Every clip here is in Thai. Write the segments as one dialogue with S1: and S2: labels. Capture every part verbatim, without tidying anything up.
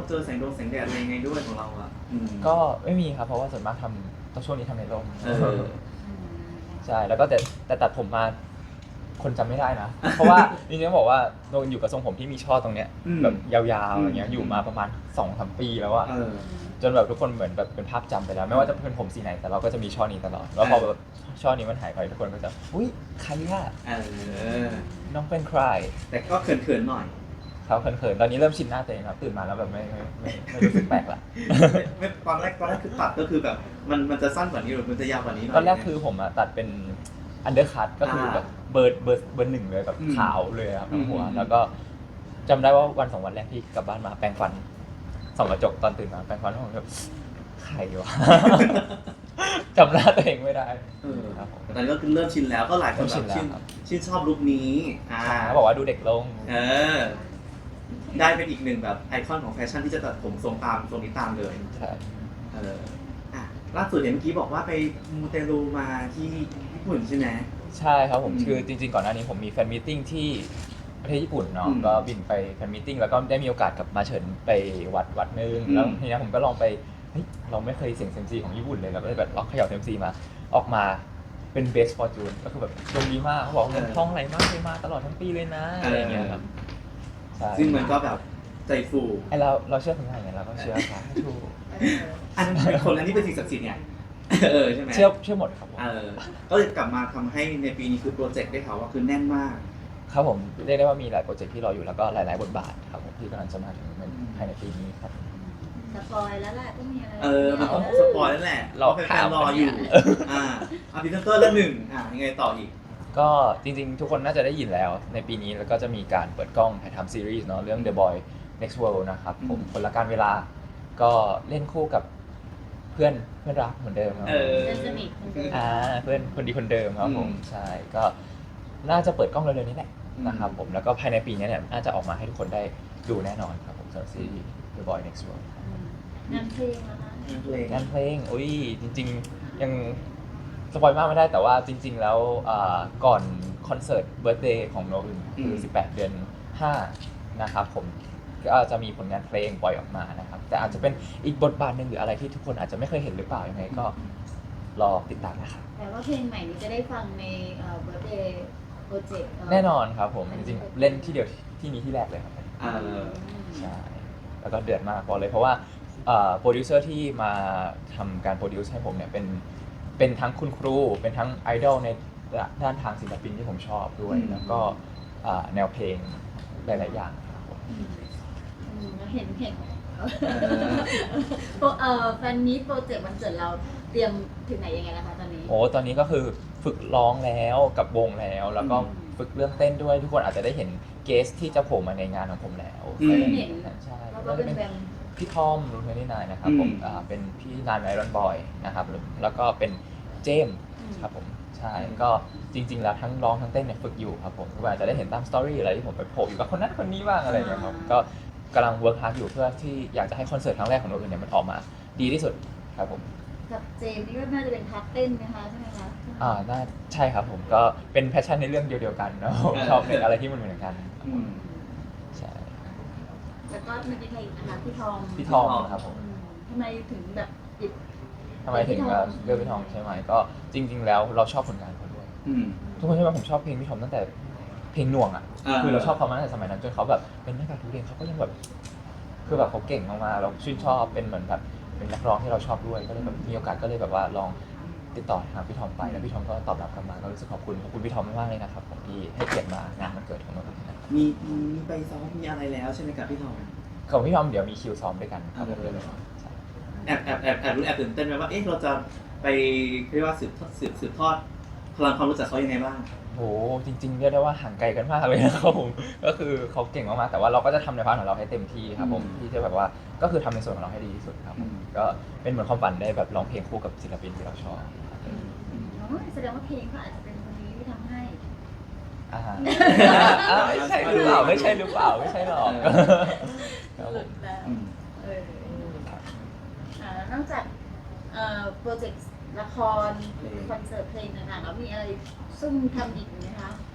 S1: เจอแสงดวงแสงแดดอะไรยังไงด้วยของเราอ่ะอืม
S2: ก็ไม่มีครับเพราะว่าส่วนมากทำตอนช่วงนี้ทำในร่ม
S1: เออ
S2: ใช่แล้วก็แต่แต่ตัดผมมาคนจำไม่ได้นะ เพราะว่าจริงๆต้องบอกว่าโดนอยู่กับทรงผมที่มีช่อตรงเนี้ย
S1: อืม
S2: แบบยาวๆอย่างเงี้ย
S1: อืม
S2: อยู่มาประมาณสองสามปีแล้วอะ
S1: เออ
S2: จนแบบทุกคนเหมือนแบบเป็นภาพจำไปแล้ว ไม่ว่าจะเป็นผมสีไหนแต่เราก็จะมีช่อนี้ตลอดแล้วพอแบบช่อนี้มันหายไปทุกคนก็จะอุ้ยใครอะ
S1: เออ
S2: น้องเป็นใคร
S1: แต่ก็เขินๆหน่อย
S2: เขาเขินๆตอนนี้เริ่มชินหน้าตัวเองครับตื่นมาแล้วแบบไม่ไม่ไม่ไม่รู้สึกแปลกละ
S1: ไม่ตอนแรกตอนแรกคือตัดก็คือแบบมันมันจะสั้นกว่านี้หรือมันจะยาวกว่านี้หน่อย
S2: ตอนแรกคือผมอะตัดเป็นอันเดอร์คัตก็คือแบบเบอร์เบอร์เบอร์หนึ่งเลยแบบ
S1: อืม
S2: ขาวเลยครับทั้งหัว
S1: อืม
S2: แล้วก็จำได้ว่าวันสองวันแรกที่กลับบ้านมาแปรงฟันส่องกระจกตอนตื่นมาแปรงฟันแล้วผมแบบใครวะ จำหน้าตัวเองไม่ได้
S1: เออ
S2: ครับผม
S1: แต่ตอนนี้ก็คือเริ่มชินแล้วก็หลายคน
S2: เริ่มชิ
S1: แบบ
S2: นแล้ว
S1: ชื่น
S2: ครับ
S1: ชื่นชอบลุคนี้อ่า
S2: เขาบอกว่าดูเด็กลง
S1: เออ ได้เป็นอีกหนึ่งแบบไอคอนของแฟชั่นที่จะตัดผมทรงตามทรงนี้ตามเลย
S2: ใช่
S1: เอออ่ะล่าสุดเห็นเมื่อกี้บอกว่าไปมูเตลูมาที่ญี่ปุ่นใช่ไหม
S2: ใช่ครับผม
S1: อืม
S2: คือจริงๆก่อนหน้านี้ผมมีแฟนมีตติ้งที่ประเทศญี่ปุ่นเนาะ
S1: อืม
S2: ก็บินไปแฟนมีตติ้งแล้วก็ได้มีโอกาสกลับมาเฉินไปวัดวัดหนึง
S1: อืม
S2: แล้วทีนี้ผมก็ลองไปเฮ้ยเราไม่เคยเสี่ยงเซยมซีของญี่ปุ่นเลยเราก็เลยแบบลองเขย่าเซยมซีมาออกมาเป็นเบสฟอร์จูนก็คือแบบดวงดีมากเขาบอกเงินทองไหลมากเลยมาตลอดทั้งปีเลยนะอะไรอย่างเงี้ยครับใช่
S1: ซึ่งมันก็แบบใจฟู
S2: ไอเราเราเชื่อคนไทยไงเราก็เชื่อค่ะถูก
S1: อันนั้นเป็นคนอันนี้เป็นสิ่งศักดิ์สิทธิ์เนี่ยเออใช่ไหม
S2: เชื่อเชื่อหมดครับผม
S1: เออก็เลยกลับมาทำให้ในปีนี้คือโปรเจกต์ได้ข่าวว่าคือแน่นมาก
S2: ครับผมเรียกได้ว่ามีหลายโปรเจกต์ที่รออยู่แล้วก็หลายๆบทบาทครับผมที่กำลังจะมาถึงในภายในปีนี้ครับ
S3: สปอยแล้วแหละต้องมีอะไร
S1: เออมันต้องสปอยแล้วแหละ
S2: รอ
S1: เพราะแฟ
S2: ข่าน ว
S1: ๆรออยู่
S2: เนี่ย
S1: อ่าอ่ะพรีเซนเตอร์เรื่องหนึ่งอ่ะยังไงต่ออีก
S2: ก็จริงๆ ทุกคนน่าจะได้ยินแล้วในปีนี้แล้วก็จะมีการเปิดกล้องถ่ายทำซีรีส์เนาะเรื่อง The Boy Next World นะครับผม
S1: อืม
S2: คนละการเวลาก็เล่นคู่กับเพื่อนเพื่อนรักเหมือนเดิมครับ
S1: เออ
S3: เพื่อนสนิทคนเดิม
S2: อ่าเพื่อนคนดีคนเดิมครับผม
S1: อืม
S2: ใช่ก็น่าจะเปิดกล้องเร็วๆนี้แหละ
S1: อืม
S2: นะครับผมแล้วก็ภายในปีนี้เนี่ยน่าจะออกมาให้ทุกคนได้ดูแน่นอนครับผมสำหรับซีรีส์ The Boy Next World
S3: งานเพลงนะคะ
S1: เพลง
S2: งานเพลงอุ้ยจริงๆ ยังสปอยมากไม่ได้แต่ว่าจริง ๆ แล้วอ่าก่อนคอนเสิร์ตเบิร์ d เดย์ของโนอึนคือ
S1: อืม
S2: สิบแปด เดือนห้านะครับผมก็จะมีผลงานเพลงปล่อยออกมานะครับ แต่อาจจะเป็นอีกบทบาทหนึ่งหรืออะไรที่ทุกคนอาจจะไม่เคยเห็นหรือเปล่ายังไงก็รอติดตามนะครับ
S3: แต่ว่าเพลงใหม่นี้จะได้ฟังในเบิร์ดเดย์โปรเจกต์
S2: แน่นอนครับผมจริงๆเล่นที่เดียวที่นี้ที่แรกเลยครับ
S1: เออ
S2: ใช่แล้วก็เดือดมากบอกเลยเพราะว่าโปรดิวเซอร์ที่มาทำการโปรดิวซ์ให้ผมเนี่ยเป็นเป็นทั้งคุณครู เป็นทั้งไอดอลในด้านทางศิลปินที่ผมชอบด้วย
S1: อืม
S2: แล้วก็อ่าแนวเพลงหลาย ๆ อย่างครับผม
S3: เห็นเห็นเออแฟนมีตโปรเจกต์วันเกิดเราเตรียมถึงไหนยังไงนะคะตอนนี้
S2: โอ้ตอนนี้ก็คือฝึกร้องแล้วกับวงแล้ว แล้วก็
S3: อืม
S2: ฝึกเรื่องเต้นด้วยทุกคนอาจจะได้เห็นเกสที่จะโผล่มาในงานของผมแล้ว
S1: อืม
S3: เห็น
S2: ใช่
S3: แล้วก็เป็นแบง
S2: พี่ทอมรุ่นที่นายนะครับผม
S1: อืม
S2: อ่าเป็นพี่นานไอรอนบอยนะครับแล้วก็เป็นเจมส์
S3: อืม
S2: ครับผมใช่ก็จริง ๆ แล้วทั้งร้องทั้งเต้นเนี่ยฝึกอยู่ครับผมก็อาจจะได้เห็นตามสตอรี่อะไรที่ผมไปโผล่อยู่กับคนนั้นคนนี้บ้างอะไรอย่างเงี้ยครับก็กำลังเวิร์คฮาร์ดอยู่เพื่อที่อยากจะให้คอนเสิร์ตครั้งแรกของโนอื่นเนี่ยมันออกมาดีที่สุดครับผม
S3: กับเจมส์นี่ก็น่าจะเป็นพาร์ทเต้นไหมคะใช่ไหมคะ
S2: อ่าน่าใช่ครับผมก็เป็นแพชชั่นในเรื่องเดียวๆกันเนาะชอบเป็นอะไรที่มันเหมือนกัน
S1: อืม
S2: ใช่
S3: แล้วก็มีใครอีกนะคะพี่ทอง
S2: พี่ทอมครับผม
S3: อืมทำไมถึงแบบหยิบ
S2: ทำไมถึงแบบเลือกพี่ทอมใช่ไหมก็จริง ๆ แล้วเราชอบผลงานเขาด้วย
S1: อืม
S2: ทุกคนใช่ไหมผมชอบเพลงพี่ทอมตั้งแต่เพลงหน่วงอ่ะ
S1: อ่า
S2: คือเราชอบเขามาตั้งแต่สมัยนั้นจนเขาแบบเป็นนักการทุเรียนเขาก็ยังแบบคือแบบเขาเก่งมากๆเราชื่นชอบเป็นเหมือนแบบเป็นนักร้องที่เราชอบด้วยก็เลยแบบมีโอกาสก็เลยแบบว่าลองติดต่อหาพี่ทอมไปแล้วพี่ทอมก็ตอบรับกลับมาก็รู้สึกขอบคุณขอบคุณพี่ทอมมากๆเลยนะครับผมที่ให้เกียรติมางานวันเกิดของเรานะครับ
S1: มีมีไปซ้อมมีอะไรแล้วใช่ไหมครับพี่ทอง
S2: ของพี่ทอมเดี๋ยวมีคิวซ้อมด้วยกันครับผม
S1: อ่า
S2: เลยใช่
S1: แอบแอบแอบแอบรู้แอบตื่นเต้นไหมว่าเอ๊ะเราจะไปเรียกว่าสืบทอดสืบสืบทอดพลังความรู้จักเขายังไงบ้าง
S2: โหจริงๆเรียกได้ว่าห่างไกลกันมากเลยนะครับผมก็คือเขาเก่งมากๆแต่ว่าเราก็จะทำในพาร์ทของเราให้เต็มที่ครับผม
S1: อืม
S2: ที่จะแบบว่าก็คือทำในส่วนของเราให้ดีที่สุดครับผม
S1: อืม
S2: ก็เป็นเหมือนความฝันได้แบบร้องเพลงคู่กับศิลปินที่เราชอบครับ
S3: อ๋อแสดงว่าเพลงเขาอาจจะเป็นคนนี้ที่ทำให้
S2: อ่าอ่าไม่ใช่หรือเปล่าไม่ใช่หรือเปล่าไม่ใช่หรอกครับผม
S3: แล้ว
S1: อืม
S3: เอออ่านอกจากเอ่อโปรเจกต์ละคร
S1: เพลง
S3: คอนเสิร์ตเพลงต่างๆแล้วมีอะไรซุ่มทำอีกไหมคะ
S2: จ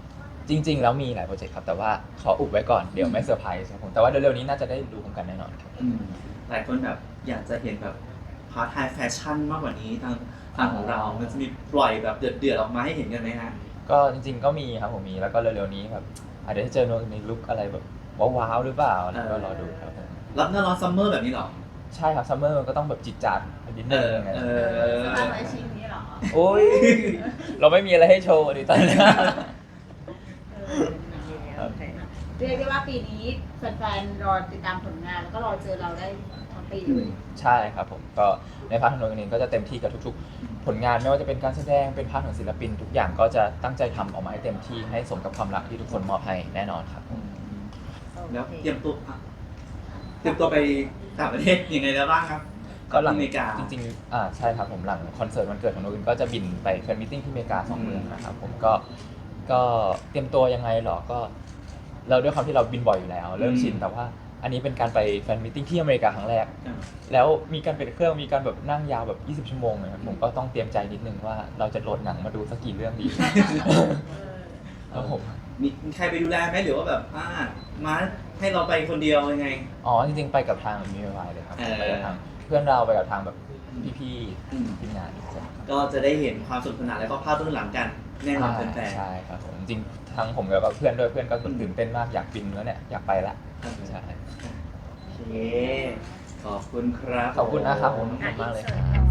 S2: จริง ๆ แล้วมีหลายโปรเจกต์ครับแต่ว่าขออุบไว้ก่อนเดี๋ยวไม่เซอร์ไพรส์ครับผมแต่ว่าเร็วๆนี้น่าจะได้ดูกันแน่นอนครับ
S1: อืมหลายคนแบบอยากจะเห็นแบบพาร์ทไฮแฟชั่นมากกว่านี้ทางทางของเรา มันจะมีปล่อยแบบเดือดๆออกมาให้เห็นกันไหมฮะ
S2: ก็จริงๆก็มีครับผมมีแล้วก็เร็วๆนี้แบบอาจจะได้เจอในลุคอะไรแบบว้าวๆหรือเปล่าแล้วก็รอดูครับผม
S1: รับหน้าร้อนซัมเมอร์แบบนี้เหรอ
S2: ใช่ครับซัมเมอร์มันก็ต้องแบบจิตจัดนิดนึง
S1: เอ
S3: เอ
S1: อ
S3: อสร้างไว้ชิ้นนี้เหรอ
S2: โอ้ยเราไม่มีอะไรให้โชว์ดิตอนนี้
S3: เออโอเคเรียกได้ว่าปีนี้แฟนๆรอติดตามผลงานแล้วก็รอเจอเราได้ทั้งปีเลย
S2: ใช่ครับผมก็ในพาร์ทของโนเองก็จะเต็มที่กับทุกๆ ผลงานไม่ว่าจะเป็นการแสดงเป็นพาร์ทของศิลปินทุกอย่างก็จะตั้งใจทำออกมาให้เต็มที่ให้สมกับความรักที่ทุกคนมอบให้แน่นอนครับ
S1: แล้วเตรียมตัวอ่ะเตรียมตัวไปต่างประเทศยังไงแล้วบ้างครับ
S2: ก็หลัง
S1: ที่อเมริกา
S2: จริงๆอ่าใช่ครับผมหลังคอนเสิร์ตวันเกิดของโนอื่นก็จะบินไปแฟนมิทติ้งที่อเมริกาสองเมืองนะครับผมก็ก็เตรียมตัวยังไงหรอก็เราด้วยความที่เราบินบ่อยอยู่แล้ว เริ่มชินแต่ว่าอันนี้เป็นการไปแฟนมิทติ้งที่อเมริกาครั้งแรก
S1: อ่า
S2: แล้วมีการเป็นเครื่องมีการแบบนั่งยาวแบบยี่สิบชั่วโมงเลยครับผมก็ต้องเตรียมใจนิดนึงว่าเราจะโหลดหนังมาดูสักกี่เรื่องดี ครับผม
S1: มีมีใครไปดูแลไหมหรือว่าแบบอ่ามาให้เราไปคนเดียวยังไง
S2: อ๋อจริงๆไปกับทางมีไวเลยครับ
S1: เออ
S2: ไปกับทางเพื่อนเราไปกับทางแบบพี่
S1: อืม
S2: ๆทีมงานใช่
S1: ก็จะได้เห็นความสนุกสนานและก็ภาพเบื้องหลังกันแน่นอนแฟน
S2: ใช่ครับผมจริงๆทั้งผมกับเพื่อนด้วยเพื่อนก็ตื่นเต้นมากอยากบินแล้วเนี่ยอยากไปละ
S1: ๆ
S2: ใช่
S1: โอเค ขอบคุณครับ
S2: ขอบคุณนะครับผมขอบ
S3: อ่ะ
S2: คุณมากเลย
S3: อิน
S2: ค
S3: เสิ
S2: รั
S3: ร์ต
S2: บ